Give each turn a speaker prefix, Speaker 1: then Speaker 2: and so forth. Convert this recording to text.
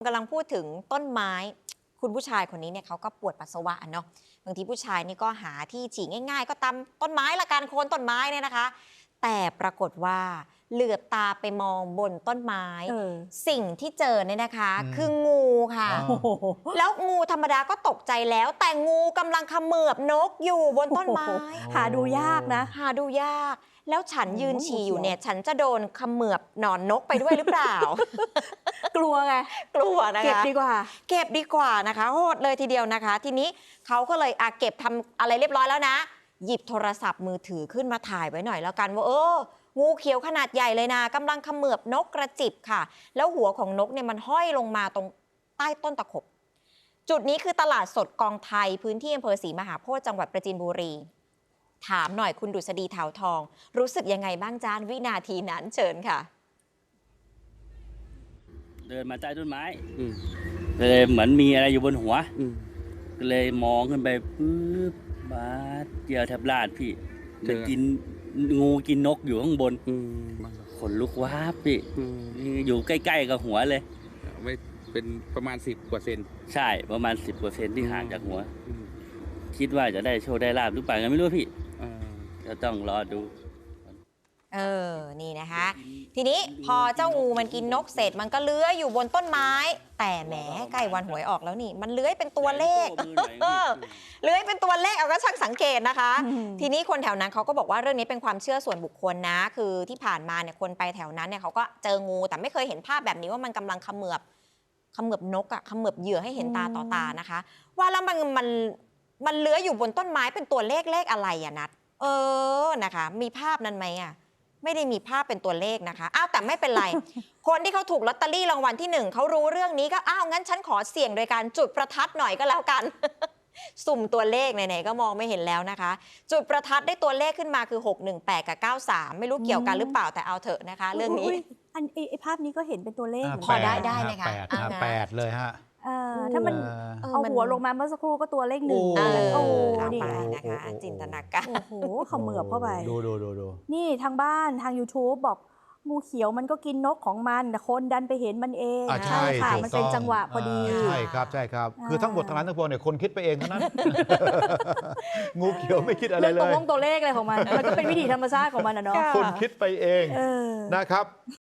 Speaker 1: กำลังพูดถึงต้นไม้คุณผู้ชายคนนี้เนี่ยเขาก็ปวดปัสสาวะเนาะบางทีผู้ชายนี่ก็หาที่ฉี่ง่ายๆ ก็ตามต้นไม้ละกันโคนต้นไม้เนี่ยนะคะ แต่ปรากฏว่าเหลือบตาไปมองบนต้นไม้ สิ่งที่เจอเนี่ยนะคะคืองูค่ะแล้วงูธรรมดาก็ตกใจแล้ว แต่งูกำลังเขมือบนกอยู่บนต้นไม้
Speaker 2: หาดูยากนะ
Speaker 1: หาดูยากแล้วฉันยืนฉี่อยู่เนี่ยฉันจะโดนเขมือบหนอนนกไปด้วยหรือเปล่า
Speaker 2: กลัวไง
Speaker 1: กลัวนะคะ
Speaker 2: เก็บดีกว่า
Speaker 1: เก็บดีกว่านะคะโหดเลยทีเดียวนะคะ ทีนี้เขาก็เลยเก็บทำอะไรเรียบร้อยแล้วนะหยิบโทรศัพท์มือถือขึ้นมาถ่ายไว้หน่อยแล้วกันว่างูเขียวขนาดใหญ่เลยนะกำลังเขมือบนกกระจิบค่ะแล้วหัวของนกเนี่ยมันห้อยลงมาตรงใต้ต้นตะขบจุดนี้คือตลาดสดกองไทยพื้นที่อำเภอศรีมหาโพธิ์จังหวัดประจินบุรีถามหน่อยคุณดุษฎีเถาทองรู้สึกยังไงบ้างจ้านวินาทีนั้นเชิญค่ะ
Speaker 3: เดินมาใต้ต้นไม้เลยเหมือนมีอะไรอยู่บนหัวก็เลยมองขึ้นไปปุ๊บบาดเจียวแทบลาดพี่จะกินงูกินนกอยู่ข้างบนขนลุกว้าบพี่อยู่ใกล้ๆกับหัวเลย
Speaker 4: ไม่เป็นประมาณ10 กว่าเซน
Speaker 3: ใช่ประมาณ10%ที่ห่างจากหัวคิดว่าจะได้โชคได้ลาบหรือเปล่ายังไม่รู้พี่ก็ต้องรอดู
Speaker 1: นี่นะคะทีนี้พอเจ้างูมันกินนกเสร็จมันก็เลื้อยอยู่บนต้นไม้แต่แหมใกล้วันหวยออกแล้วนี่มันเลื้อยเป็นตัวเลขเลื้อยเป็นตัวเลขเอาก็ช่างสังเกตนะคะทีนี้คนแถวนั้นเขาก็บอกว่าเรื่องนี้เป็นความเชื่อส่วนบุคคลนะคือที่ผ่านมาเนี่ยคนไปแถวนั้นเนี่ยเขาก็เจองูแต่ไม่เคยเห็นภาพแบบนี้ว่ามันกำลังเขมือบนกเขมือบเหยื่อให้เห็นตาต่อตานะคะว่าแล้วมันเลื้อยอยู่บนต้นไม้เป็นตัวเลขอะไรอะนัดนะคะมีภาพนั้นไหมอะไม่ได้มีภาพเป็นตัวเลขนะคะแต่ไม่เป็นไร คนที่เขาถูกลอตเตอรี่รางวัลที่1เขารู้เรื่องนี้ก็งั้นฉันขอเสี่ยงโดยการจุดประทัดหน่อยก็แล้วกัน สุ่มตัวเลขไหนๆก็มองไม่เห็นแล้วนะคะจุดประทัดได้ตัวเลขขึ้นมาคือ618กับ93ไม่รู้เกี่ยวกันหรือเปล่าแต่เอาเถอะนะคะเรื่องนี้
Speaker 2: ไอ้ภาพนี้ก็เห็นเป็นตัวเลข
Speaker 1: พอได้ไหมคะ
Speaker 5: 8เลยฮะ
Speaker 2: ถ้ามันเอาหัวลงมาเมื่อสักครู่ก็ตัวเลข1
Speaker 1: นี่นะคะจินตนาการ
Speaker 2: โอ้โหเขมือบเข้าไป
Speaker 5: ดู
Speaker 2: นี่ทางบ้านทาง YouTube บอกงูเขียวมันก็กินนกของมันแต่คนดันไปเห็นมันเอง
Speaker 5: ใช่
Speaker 2: ค่ะมันเป็นจังหวะพอดี
Speaker 5: ใช่ครับคือทั้งหมดทั้งนั้นทั้งปวงเนี่ยคนคิดไปเองเท่านั้นงูเขียวไม่คิดอะไรเลย
Speaker 2: ตัวเลขอะไรของมันมันก็เป็นวิถีธรรมชาติของมันนะเนาะ
Speaker 5: คนคิดไปเองนะครับ